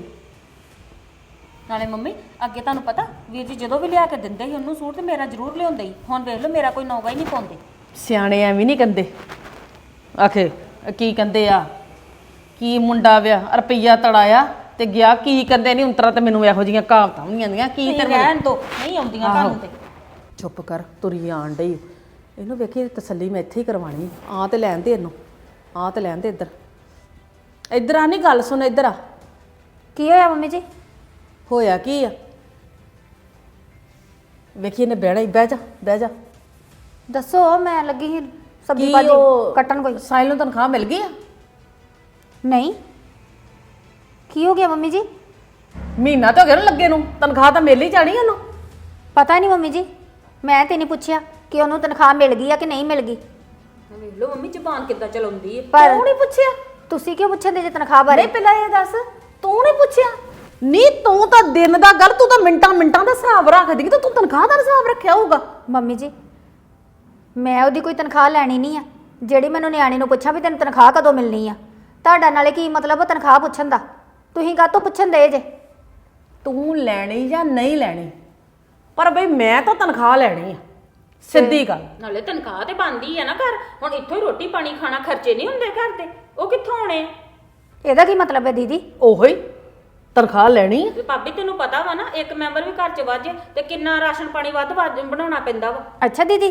D: ਨਾਲੇ ਮੰਮੀ ਅੱਗੇ ਤੁਹਾਨੂੰ ਪਤਾ ਵੀਰ ਜੀ ਜਦੋਂ ਵੀ ਲਿਆ ਕੇ ਦਿੰਦੇ ਸੀ ਉਹਨੂੰ ਸੂਟ, ਤੇ ਮੇਰਾ ਜ਼ਰੂਰ ਲਿਆਉਂਦੇ ਸੀ। ਹੁਣ ਵੇਖ ਲਓ ਮੇਰਾ ਕੋਈ ਨੌਗਾ ਹੀ ਨਹੀਂ ਪਾਉਂਦੇ।
C: ਸਿਆਣੇ ਐਵੇਂ ਨਹੀਂ ਕਹਿੰਦੇ। ਆਖੇ ਕੀ ਕਹਿੰਦੇ ਆ, ਕੀ ਮੁੰਡਾ ਵਿਆਹ ਰੁਪਈਆ ਤੜਾਇਆ ਤੇ ਗਿਆ, ਕੀ ਕਹਿੰਦੇ ਨਹੀਂ ਉਂਤਰਾ। ਤੇ ਮੈਨੂੰ ਇਹੋ ਜਿਹੀਆਂ ਕਹਾਵਤਾਂ ਨਹੀਂ ਆਉਂਦੀਆਂ। ਕੀ
D: ਤੇ ਰਹਿਣ ਦੋ, ਨਹੀਂ ਆਉਂਦੀਆਂ ਤੁਹਾਨੂੰ ਤੇ।
C: ਚੁੱਪ ਕਰ, ਤੁਰੀ ਆਣ ਡਈ। ਇਹਨੂੰ ਵੇਖੀ ਤਸੱਲੀ ਮੈਂ ਇੱਥੇ ਹੀ ਕਰਵਾਣੀ। ਆ ਤੇ ਲੈਣ ਦੇ ਇਹਨੂੰ, ਆ ਤੇ ਲੈਣ ਦੇ। ਇੱਧਰ ਇੱਧਰ ਆ, ਨਹੀਂ ਗੱਲ ਸੁਣ, ਇੱਧਰ ਆ।
A: ਕੀ ਹੋਇਆ ਮੰਮੀ ਜੀ?
C: ਹੋਇਆ ਕੀ ਆ? ਵੇਖੀ ਇਹਨੇ ਬਹਿਣਾ ਹੀ। ਬਹਿ ਜਾ ਬਹਿ ਜਾ।
A: ਦੱਸੋ, ਮੈਂ ਲੱਗੀ ਸੀ ਸਬਜ਼ੀ
C: ਕੀ
A: ਭਾਜੀ
C: ਉਹ
A: ਕੱਟਣ। ਕੋਈ
C: ਸਾਹਿਲ ਨੂੰ ਤਨਖਾਹ ਮਿਲ ਗਈ ਆ?
A: ਨਹੀਂ। ਕੀ ਹੋ ਗਿਆ ਮੰਮੀ ਜੀ?
C: ਮਹੀਨਾ ਤਾਂ ਹੋ ਗਿਆ ਨਾ ਲੱਗੇ ਨੂੰ, ਤਨਖਾਹ ਤਾਂ ਮਿਲ ਹੀ ਜਾਣੀ ਉਹਨੂੰ।
A: ਪਤਾ ਨਹੀਂ ਮੰਮੀ ਜੀ, ਮੈਂ ਤੇ ਨਹੀਂ ਪੁੱਛਿਆ ਕਿ ਉਹਨੂੰ ਤਨਖਾਹ ਮਿਲ ਗਈ ਆ ਕਿ ਨਹੀਂ ਮਿਲ ਗਈ।
D: ਵੇਖ ਲਓ ਮੰਮੀ ਜ਼ਬਾਨ ਕਿੱਦਾਂ ਚਲਾਉਂਦੀ ਹੈ।
A: ਪਰ
C: ਤੂੰ ਨਹੀਂ ਪੁੱਛਿਆ?
A: ਤੁਸੀਂ ਕਿਉਂ ਪੁੱਛਦੇ ਜੇ ਤਨਖਾਹ ਬਾਰੇ?
C: ਨਹੀਂ ਪਹਿਲਾਂ ਇਹ ਦੱਸ, ਤੂੰ ਨਹੀਂ ਪੁੱਛਿਆ? ਨਹੀਂ ਤੂੰ ਤਾਂ ਦਿਨ ਦਾ ਗੱਲ, ਤੂੰ ਤਾਂ ਮਿੰਟਾਂ ਮਿੰਟਾਂ ਦਾ ਹਿਸਾਬ ਰੱਖਦੀ ਤੇ ਤੂੰ ਤਨਖਾਹ ਦਾ ਹਿਸਾਬ ਰੱਖਿਆ ਹੋਊਗਾ।
A: ਮੰਮੀ ਜੀ ਮੈਂ ਉਹਦੀ ਕੋਈ ਤਨਖਾਹ ਲੈਣੀ ਨਹੀਂ ਆ, ਜਿਹੜੀ ਮੈਨੂੰ ਨਿਆਣੀ ਨੂੰ ਪੁੱਛਾਂ ਵੀ ਤੈਨੂੰ ਤਨਖਾਹ ਕਦੋਂ ਮਿਲਣੀ ਆ। ਤੁਹਾਡਾ ਨਾਲੇ ਕੀ ਮਤਲਬ ਆ ਤਨਖਾਹ ਪੁੱਛਣ ਦਾ? ਤੁਸੀਂ ਕਾਹਤੋਂ ਪੁੱਛਣ ਦੇ ਜੇ?
C: ਤੂੰ ਲੈਣੀ ਜਾਂ ਨਹੀਂ ਲੈਣੀ, ਪਰ ਬਈ ਮੈਂ ਤਾਂ ਤਨਖਾਹ ਲੈਣੀ ਆ, ਸਿੱਧੀ ਗੱਲ।
D: ਨਾਲੇ ਤਨਖਾਹ ਤੇ ਬਣਦੀ ਆ ਨਾ ਘਰ, ਹੁਣ ਇੱਥੋਂ ਹੀ ਰੋਟੀ ਪਾਣੀ ਖਾਣਾ, ਖਰਚੇ ਨਹੀਂ ਹੁੰਦੇ ਘਰ ਦੇ, ਉਹ ਕਿੱਥੋਂ ਆਉਣੇ ਆ?
A: ਇਹਦਾ ਕੀ ਮਤਲਬ ਹੈ ਦੀਦੀ?
C: ਉਹੋ ਹੀ ਤਨਖਾਹ ਲੈਣੀ ਆ।
D: ਤੇ ਭਾਬੀ ਤੈਨੂੰ ਪਤਾ ਵਾ ਨਾ, ਇੱਕ ਮੈਂਬਰ ਵੀ ਘਰ 'ਚ ਵੱਧ ਜੇ ਤੇ ਕਿੰਨਾ ਰਾਸ਼ਨ ਪਾਣੀ ਵੱਧ ਵੱਧ ਬਣਾਉਣਾ ਪੈਂਦਾ ਵਾ।
A: ਅੱਛਾ ਦੀਦੀ,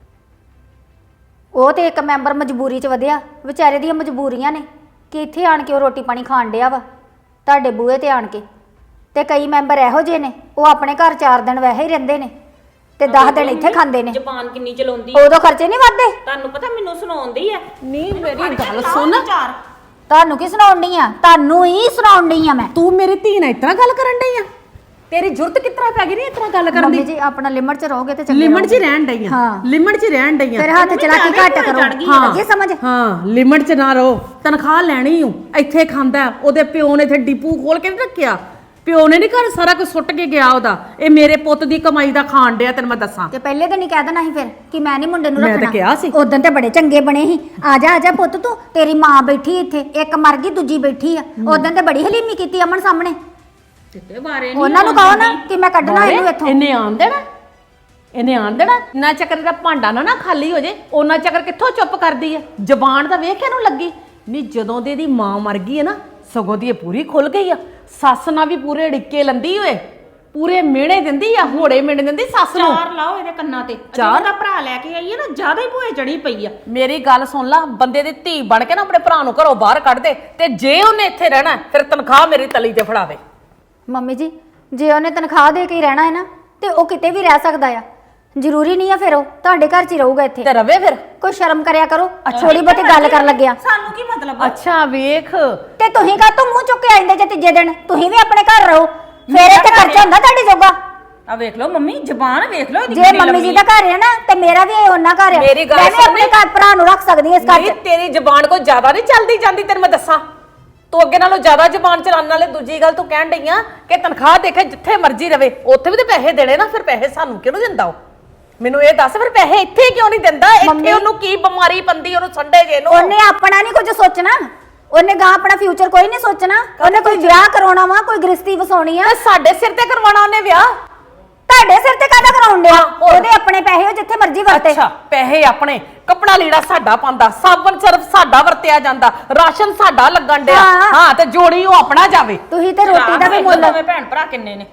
A: ਉਹ ਤੇ ਇੱਕ ਮੈਂਬਰ ਮਜਬੂਰੀ 'ਚ ਵਧਿਆ, ਵਿਚਾਰੇ ਦੀਆਂ ਮਜਬੂਰੀਆਂ ਨੇ ਕਿ ਇੱਥੇ ਆਣ ਕੇ ਉਹ ਰੋਟੀ ਪਾਣੀ ਖਾਣ ਡਿਆ ਵਾ ਤੁਹਾਡੇ ਬੂਹੇ ਤੇ ਆਣ ਕੇ। ਤੇ ਕਈ ਮੈਂਬਰ ਇਹੋ ਜਿਹੇ ਨੇ, ਉਹ ਆਪਣੇ ਘਰ ਚਾਰ ਦਿਨ ਵੈਸੇ ਹੀ ਰਹਿੰਦੇ ਨੇ ਤੇ ਦਸ ਦਿਨ ਇੱਥੇ ਖਾਂਦੇ ਨੇ।
D: ਜ਼ਬਾਨ ਕਿੰਨੀ ਚਲਾਉਂਦੀ,
A: ਉਦੋਂ ਖਰਚੇ ਨਹੀਂ ਵੱਧਦੇ?
D: ਤੁਹਾਨੂੰ ਪਤਾ ਮੈਨੂੰ ਸੁਣਾਉਂਦੀ ਆ।
C: ਨਹੀਂ ਮੇਰੀ ਗੱਲ ਸੁਣ,
A: ਤੁਹਾਨੂੰ ਕੀ ਸੁਣਾਉਣੀ ਆ? ਤੁਹਾਨੂੰ ਹੀ ਸੁਣਾਉਣੀ ਆ ਮੈਂ।
C: ਤੂੰ ਮੇਰੀ ਧੀ ਨਾਲ ਇਤਨਾ ਗੱਲ ਕਰਨ ਡਈ ਆ? ਤੇਰੀ ਜ਼ਰੂਰਤ ਕਿਤਨਾ ਪੈ ਗਈ ਨਹੀਂ ਇਤਨਾ ਗੱਲ ਕਰਨ
A: ਮੰਮੀ
C: ਦੀ?
A: ਜੀ ਆਪਣਾ ਲਿਮਟ 'ਚ ਰਹੋਗੇ ਤੇ ਚੰਗੇ
C: ਲਿਮਟ 'ਚ
A: ਰਹੋਗੇ।
C: ਰਹਿਣ ਡਈ ਆ,
A: ਹਾਂ।
C: ਲਿਮਟ 'ਚ ਰਹਿਣ ਡਈ ਆ।
A: ਫਿਰ ਹੱਥ ਚਲਾਕੀ ਘੱਟ ਕਰੋ, ਲੱਗੇ ਸਮਝ?
C: ਹਾਂ ਲਿਮਟ 'ਚ ਨਾ ਰਹੋ, ਤਨਖਾਹ ਲੈਣੀ ਹੂੰ। ਇੱਥੇ ਖਾਂਦਾ, ਉਹਦੇ ਪਿਓ ਨੇ ਇੱਥੇ ਡਿਪੂ ਖੋਲ ਕੇ ਨਹੀਂ ਰੱਖਿਆ, ਪਿਓ ਨੇ ਨਹੀਂ ਘਰ ਸਾਰਾ ਕੁਝ ਸੁੱਟ ਕੇ ਗਿਆ ਉਹਦਾ। ਇਹ ਮੇਰੇ ਪੁੱਤ ਦੀ ਕਮਾਈ ਦਾ ਖਾਣ ਡਿਆ, ਤੈਨੂੰ ਮੈਂ ਦੱਸਾਂ।
A: ਤੇ ਪਹਿਲੇ ਦਿਨ ਹੀ ਕਹਿ ਦੇਣਾ ਸੀ ਫਿਰ ਕਿ ਮੈਂ ਨਹੀਂ ਮੁੰਡੇ ਨੂੰ
C: ਮੈਂ
A: ਰੱਖਣਾ।
C: ਤਾਂ ਕਿਹਾ ਸੀ।
A: ਉਦੋਂ ਤੇ ਬੜੇ ਚੰਗੇ ਬਣੇ ਸੀ, ਆ ਜਾ ਆ ਜਾ ਪੁੱਤ ਤੂੰ, ਤੇਰੀ ਮਾਂ ਬੈਠੀ ਇੱਥੇ, ਇੱਕ ਮਰ ਗਈ ਦੂਜੀ ਬੈਠੀ ਆ। ਉਦੋਂ ਤੇ ਬੜੀ ਹਲੀਮੀ ਕੀਤੀ ਅਮਨ ਸਾਹਮਣੇ।
D: ਕਿਤੇ ਬਾਰੇ
A: ਉਹਨਾਂ ਨੂੰ ਕਹੋ ਨਾ ਕਿ ਮੈਂ ਕੱਢਣਾ ਇਹਨੂੰ ਇੱਥੋਂ।
C: ਇਹਨੇ ਆਣ ਦੇਣਾ, ਇਹਨੇ ਆਣ ਦੇਣਾ। ਨਾ ਚੱਕਰ ਦਾ ਭਾਂਡਾ ਨਾ ਨਾ ਖਾਲੀ ਹੋ ਜੇ, ਉਹਨਾਂ ਚੱਕਰ ਕਿੱਥੋਂ ਚੁੱਪ ਕਰਦੀ ਆ? ਜ਼ਬਾਨ ਤਾਂ ਵੇਖ ਇਹਨੂੰ ਲੱਗੀ ਨਹੀਂ। ਜਦੋਂ ਦੀ ਇਹਦੀ ਮਾਂ ਮਰ ਗਈ ਹੈ ਨਾ, ਸਗੋਂ ਦੀ ਇਹ ਪੂਰੀ ਖੁੱਲ ਗਈ ਆ। ਸੱਸ ਨਾਲ ਵੀ ਪੂਰੇ ਡਿੱਕੇ ਲੰਦੀ ਓਏ, ਪੂਰੇ ਮਿਹਣੇ ਦਿੰਦੀ ਆ, ਹੋੜੇ ਮਿਹਣੇ ਦਿੰਦੀ ਸੱਸ ਨੂੰ।
D: ਚਾਰ ਲਾਓ ਇਹਦੇ ਕੰਨਾਂ ਤੇ।
C: ਚਾਰ
D: ਦਾ ਭਰਾ ਲੈ ਕੇ ਆਈ ਹੈ ਨਾ, ਜ਼ਿਆਦਾ ਹੀ ਭੂਏ ਚੜੀ ਪਈ ਆ।
C: ਮੇਰੀ ਗੱਲ ਸੁਣ ਲਾ, ਬੰਦੇ ਦੀ ਧੀ ਬਣ ਕੇ ਨਾ ਆਪਣੇ ਭਰਾ ਨੂੰ ਘਰੋਂ ਬਾਹਰ ਕੱਢ ਦੇ, ਤੇ ਜੇ ਉਹਨੇ ਇੱਥੇ ਰਹਿਣਾ ਫਿਰ ਤਨਖਾਹ ਮੇਰੀ ਤਲੀ ਤੇ ਫੜਾਵੇ।
A: ਮੰਮੀ ਜੀ ਜੇ ਉਹਨੇ ਤਨਖਾਹ ਦੇ ਕੇ ਹੀ ਰਹਿਣਾ ਹੈ ਨਾ, ਤੇ ਉਹ ਕਿਤੇ ਵੀ ਰਹਿ ਸਕਦਾ ਆ, ਜ਼ਰੂਰੀ ਨਹੀਂ ਆ ਫਿਰ ਉਹ ਤੁਹਾਡੇ ਘਰ 'ਚ ਹੀ ਰਹੂਗਾ ਇੱਥੇ।
C: ਤੇ ਰਵੇ ਫਿਰ।
A: ਕੋਈ ਸ਼ਰਮ ਕਰਿਆ ਕਰੋ, ਥੋੜੀ ਬਹੁਤੀ ਗੱਲ ਕਰਨ ਲੱਗਿਆ।
D: ਸਾਨੂੰ ਕੀ ਮਤਲਬ?
C: ਅੱਛਾ ਵੇਖ,
A: ਤੇ ਤੁਸੀਂ ਕਾ ਤੂੰ ਮੂੰਹ ਚੁੱਕ ਕੇ ਆਂਦੇ ਜੇ ਤੀਜੇ ਦਿਨ? ਤੁਸੀਂ ਵੀ ਆਪਣੇ ਘਰ ਰਹੋ, ਫੇਰ ਇੱਥੇ ਖਰਚਾ ਹੁੰਦਾ ਤੁਹਾਡੇ ਜੋਗਾ।
D: ਆ ਵੇਖ ਲਓ ਮੰਮੀ, ਜ਼ਬਾਨ ਵੇਖ ਲਓ ਇਹਦੀ
A: ਜੇ
D: ਕਿੰਨੀ
A: ਮੰਮੀ ਜੀ
D: ਲੰਮੀ
A: ਦਾ ਘਰ ਹੈ ਨਾ, ਤੇ ਮੇਰਾ ਵੀ ਇਹ ਉਹਨਾਂ ਘਰ ਹੈ।
C: ਮੇਰੀ ਗੱਲ
A: ਮੈਂ ਵੀ ਆਪਣੇ
C: ਸੁਣ।
A: ਘਰ ਭਰਾ ਨੂੰ ਰੱਖ ਸਕਦੀ ਹਾਂ ਇਸ ਘਰ
C: ਨਹੀਂ
A: 'ਚ।
C: ਤੇਰੀ ਜ਼ਬਾਨ ਕੋਈ ਜ਼ਿਆਦਾ ਨਹੀਂ ਚੱਲਦੀ ਜਾਂਦੀ, ਤੈਨੂੰ ਮੈਂ ਦੱਸਾਂ। ਤੂੰ ਅੱਗੇ ਨਾਲੋਂ ਜ਼ਿਆਦਾ ਜ਼ਬਾਨ ਚਲਾਉਣ ਵਾਲੇ। ਦੂਜੀ ਗੱਲ ਤੂੰ ਕਹਿਣ ਡਈ ਆ ਕਿ ਤਨਖਾਹ ਦੇਖੇ ਜਿੱਥੇ ਮਰਜ਼ੀ ਰਵੇ, ਉੱਥੇ ਵੀ ਤੇ ਪੈਸੇ ਦੇਣੇ ਨਾ। ਫਿਰ ਪੈਸੇ ਸਾਨੂੰ ਕਿਉਂ ਦਿੰਦਾ ਉਹ? ਮੈਨੂੰ ਇਹ ਦੱਸ, ਫਿਰ ਪੈਸੇ ਇੱਥੇ ਕਿਉਂ ਨਹੀਂ ਦਿੰਦਾ? ਇੱਥੇ ਉਹਨੂੰ ਕੀ ਬਿਮਾਰੀ ਪੰਦੀ, ਉਹਨੂੰ ਸੰਡੇ ਜੇ ਨੂੰ?
A: ਉਹਨੇ ਆਪਣਾ ਨਹੀਂ ਕੁਝ ਸੋਚਣਾ, ਉਹਨੇ ਗਾਂ ਆਪਣਾ ਫਿਊਚਰ ਕੋਈ ਨਹੀਂ ਸੋਚਣਾ। ਉਹਨੇ ਕੋਈ ਵਿਆਹ ਕਰਾਉਣਾ ਵਾ, ਕੋਈ ਗ੍ਰਸਤੀ ਵਸਾਉਣੀ ਆ।
C: ਤੇ ਸਾਡੇ ਸਿਰ ਤੇ ਕਰਵਾਉਣਾ ਉਹਨੇ ਵਿਆਹ।
A: ਤੁਹਾਡੇ ਸਿਰ ਤੇ ਕਾਹਦਾ ਕਰਾਉਣ ਡਿਆ? ਉਹਦੇ ਆਪਣੇ ਪੈਸੇ, ਉਹ ਜਿੱਥੇ ਮਰਜ਼ੀ ਵਰਤੇ।
C: ਅੱਛਾ ਪੈਸੇ ਆਪਣੇ, ਕੱਪੜਾ ਲੀੜਾ ਸਾਡਾ ਪਾਉਂਦਾ, ਸਾਬਣ ਸਰਫ ਸਾਡਾ ਵਰਤਿਆ ਜਾਂਦਾ, ਰਾਸ਼ਨ ਸਾਡਾ ਲੱਗਣ ਡਿਆ।
A: ਹਾਂ।
C: ਹਾਂ ਤੇ ਜੋੜੀ ਉਹ ਆਪਣਾ ਜਾਵੇ।
A: ਤੁਸੀਂ ਤੇ ਰੋਟੀ ਦਾ ਵੀ ਮੁੱਲ,
D: ਦੋਵੇਂ ਭੈਣ ਭਰਾ ਕਿੰਨੇ ਨੇ?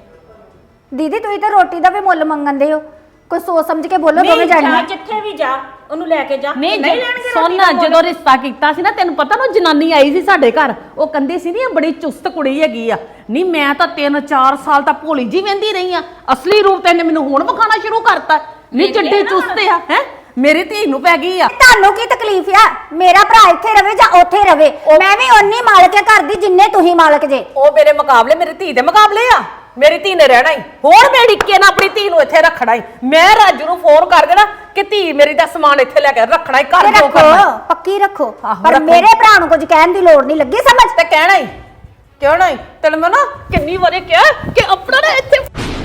A: ਦੀਦੀ ਤੁਸੀਂ ਤੇ ਰੋਟੀ ਦਾ ਵੀ ਮੁੱਲ ਮੰਗਣਦੇ ਹੋ। ਕੋਈ ਸੋਚ ਸਮਝ ਕੇ ਬੋਲੋ ਦੋਵੇਂ
D: ਨਹੀਂ, ਜਾ
A: ਜਾਣੀਆਂ।
D: ਜਿੱਥੇ ਵੀ ਜਾ ਉਹਨੂੰ ਲੈ ਕੇ ਜਾ।
C: ਨਹੀਂ
D: ਲੈਣਗੇ
C: ਸੁਣ,
D: ਰੋਟੀ ਦਾ ਮੁੱਲ।
C: ਜਦੋਂ ਰਿਸ਼ਤਾ ਕੀਤਾ ਸੀ ਨਾ, ਤੈਨੂੰ ਪਤਾ ਨਾ ਜਨਾਨੀ ਆਈ ਸੀ ਸਾਡੇ ਘਰ, ਉਹ ਕਹਿੰਦੀ ਸੀ ਨੀ ਇਹ ਬੜੀ ਚੁਸਤ ਕੁੜੀ ਹੈਗੀ ਆ। ਨਹੀਂ ਮੈਂ ਤਾਂ ਤਿੰਨ ਚਾਰ ਸਾਲ ਤਾਂ ਭੋਲੀ ਜੀ ਵਹਿੰਦੀ ਰਹੀ ਆ, ਅਸਲੀ ਰੂਪ ਤੇ ਇਹਨੇ ਮੈਨੂੰ ਹੁਣ ਵਿਖਾਣਾ ਸ਼ੁਰੂ ਕਰਤਾ। ਨਹੀਂ ਚੱਡੀ ਚੁਸਤ ਆ ਹੈ, ਮੇਰੀ ਧੀ ਨੂੰ ਪੈ ਗਈ ਆ।
A: ਤੁਹਾਨੂੰ ਕੀ ਤਕਲੀਫ ਆ? ਮੇਰਾ ਭਰਾ ਇੱਥੇ ਰਵੇ ਜਾਂ ਉੱਥੇ ਰਵੇ, ਮੈਂ ਵੀ ਓਨੀ ਮਾਲਕ ਆ ਘਰ ਦੀ ਜਿੰਨੇ ਤੁਸੀਂ ਮਾਲਕ ਜੇ।
C: ਉਹ ਮੇਰੇ ਮੁਕਾਬਲੇ, ਮੇਰੀ ਧੀ ਦੇ ਮੁਕਾਬਲੇ ਆ। ਮੇਰੀ ਧੀ ਨੇ ਰਹਿਣਾ ਹੀ ਹੋਰ, ਮੈਂ ਡਿੱਕੇ ਨਾ ਆਪਣੀ ਧੀ ਨੂੰ ਇੱਥੇ ਰੱਖਣਾ ਹੀ। ਮੈਂ ਰਾਜੂ ਨੂੰ ਫੋਨ ਕਰ ਦੇਣਾ ਕਿ ਧੀ ਮੇਰੀ ਦਾ ਸਮਾਨ ਇੱਥੇ ਲੈ ਕੇ ਰੱਖਣਾ ਹੀ, ਘਰ ਜੋ ਕਰਨਾ।
A: ਰੱਖੋ, ਪੱਕੀ ਰੱਖੋ,
C: ਆਹੋ,
A: ਪਰ
C: ਰੱਖੋ।
A: ਮੇਰੇ ਭਰਾ ਨੂੰ ਕੁਝ ਕਹਿਣ ਦੀ ਲੋੜ ਨਹੀਂ, ਲੱਗੀ ਸਮਝ?
C: ਤੇ ਕਹਿਣਾ ਹੀ ਕਿਉਂ ਨਹੀਂ? ਤੈਨੂੰ ਮੈਂ ਨਾ ਕਿੰਨੀ ਵਾਰੀ ਕਿਹਾ ਕਿ ਆਪਣਾ ਨਾ ਇੱਥੇ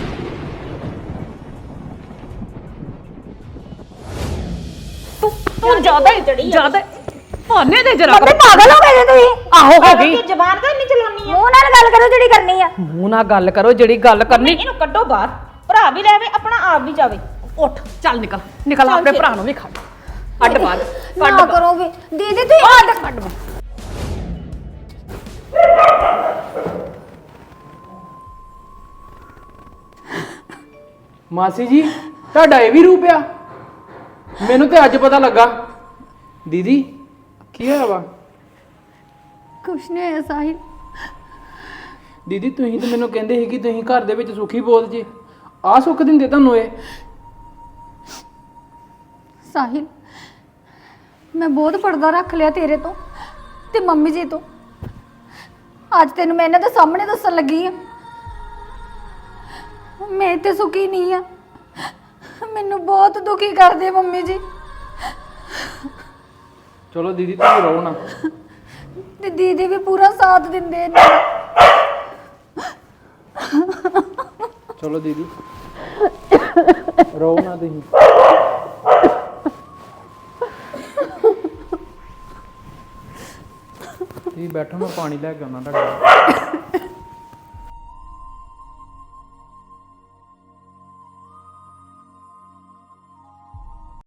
C: ਤੂੰ ਤੂੰ ਜ਼ਿਆਦਾ ਹੀ ਜ਼ਿਆਦਾ ਭਾਨੇ ਦੇ ਜਰਾ
A: ਮੰਮੀ ਪਾਗਲ ਹੋ ਗਏ ਜੇ ਤੁਸੀਂ?
C: ਆਹੋ ਹੋ ਗਈ।
D: ਇਹ ਜ਼ਬਾਨ ਤਾਂ ਇੰਨੀ ਚਲਾਉਣੀ ਆ।
A: ਮੂੰਹ ਨਾਲ ਗੱਲ ਕਰੋ ਜਿਹੜੀ ਕਰਨੀ ਆ।
C: ਮੂੰਹ ਨਾਲ ਗੱਲ ਕਰੋ ਜਿਹੜੀ ਗੱਲ ਕਰਨੀ।
D: ਇਹਨੂੰ ਕੱਢੋ ਬਾਹਰ, ਭਰਾ ਵੀ ਲੈਵੇ, ਆਪਣਾ ਆਪ ਵੀ ਜਾਵੇ।
C: ਉੱਠ ਚੱਲ ਨਿਕਲ ਨਿਕਲ, ਆਪਣੇ ਭਰਾ ਨੂੰ ਵੀ ਖੜ ਅੱਡ ਬਾਹਰ
A: ਨਾ
C: ਕੱਢ
A: ਕਰੋ ਵੀ ਦੀਦੀ ਤੁਸੀਂ
C: ਅੱਡ ਕੱਢ ਬਾਹਰ।
B: ਮਾਸੀ ਜੀ ਤੁਹਾਡਾ ਇਹ ਵੀ ਰੂਪ ਆ? ਮੈਨੂੰ ਤੇ ਅੱਜ ਪਤਾ ਲੱਗਾ। ਦੀਦੀ ਕੀ ਹੋਇਆ ਵਾ?
A: ਕੁਛ ਨਹੀਂ ਹੋਇਆ ਸਾਹਿਲ।
B: ਦੀਦੀ ਤੁਸੀਂ ਤਾਂ ਮੈਨੂੰ ਕਹਿੰਦੇ ਸੀ ਕਿ ਤੁਸੀਂ ਘਰ ਦੇ ਵਿੱਚ ਸੁਖੀ ਬੋਲ ਜੇ, ਆ ਸੁੱਖ ਦਿੰਦੇ ਤੁਹਾਨੂੰ ਇਹ?
A: ਸਾਹਿਲ ਮੈਂ ਬਹੁਤ ਪਰਦਾ ਰੱਖ ਲਿਆ ਤੇਰੇ ਤੋਂ ਤੇ ਮੰਮੀ ਜੀ ਤੋਂ। ਅੱਜ ਤੈਨੂੰ ਮੈਂ ਇਹਨਾਂ ਦੇ ਸਾਹਮਣੇ ਦੱਸਣ ਲੱਗੀ ਆ, ਮੈਂ ਤੇ ਸੁਖੀ ਨਹੀਂ ਆ। ਮੈਨੂੰ ਬਹੁਤ ਦੁਖੀ ਕਰਦੇ ਮੰਮੀ ਜੀ।
B: ਚਲੋ ਦੀਦੀ ਤੁਸੀਂ ਰਹੋ ਨਾ।
A: ਤੇ ਦੀਦੀ ਵੀ ਪੂਰਾ ਸਾਥ ਦਿੰਦੇ ਨੇ।
B: ਚਲੋ ਦੀਦੀ ਰੋ ਨਾ ਤੁਸੀਂ। ਤੁਸੀਂ ਬੈਠੋ, ਮੈਂ ਪਾਣੀ ਲੈ ਕੇ ਆਉਣਾ ਤੁਹਾਡੇ ਲਈ।